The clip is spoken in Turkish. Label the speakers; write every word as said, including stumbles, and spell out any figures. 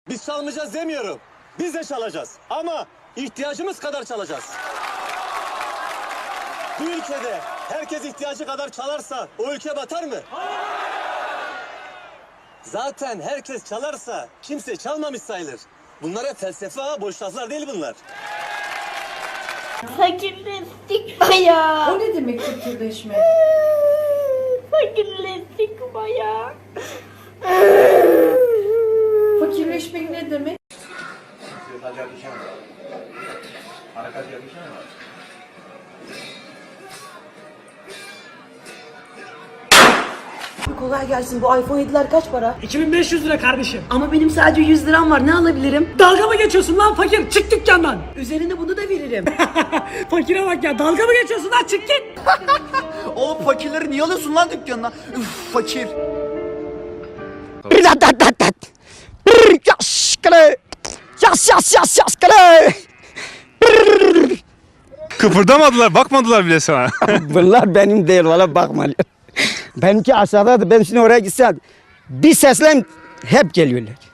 Speaker 1: Biz çalmayacağız demiyorum. Biz de çalacağız. Ama ihtiyacımız kadar çalacağız. Bu ülkede herkes ihtiyacı kadar çalarsa o ülke batar mı? Zaten herkes çalarsa kimse çalmamış sayılır. Bunlar hep felsefe ha, boş laflar değil bunlar.
Speaker 2: Fakirleştik bayağı.
Speaker 3: O ne demek fakirleşmek?
Speaker 2: Fakirleştik bayağı.
Speaker 3: Fakirleşmek ne demek?
Speaker 4: Kolay gelsin. Bu iPhone yediler kaç para?
Speaker 5: iki bin beş yüz lira kardeşim.
Speaker 4: Ama benim sadece yüz liram var. Ne alabilirim?
Speaker 5: Dalga mı geçiyorsun lan fakir? Çık dükkandan.
Speaker 4: Üzerine bunu da veririm.
Speaker 5: Fakire bak ya, dalga mı geçiyorsun lan, çık git.
Speaker 6: Oğlum fakirleri niye alıyorsun lan dükkanına? Üf fakir.
Speaker 4: Yas yas yas yas kale.
Speaker 7: Kıpırdamadılar, bakmadılar bile sana.
Speaker 8: Bunlar benim değil, valla bakma. Benimki aşağıdadır. Ben şimdi oraya gitsem bir seslen hep geliyorlar.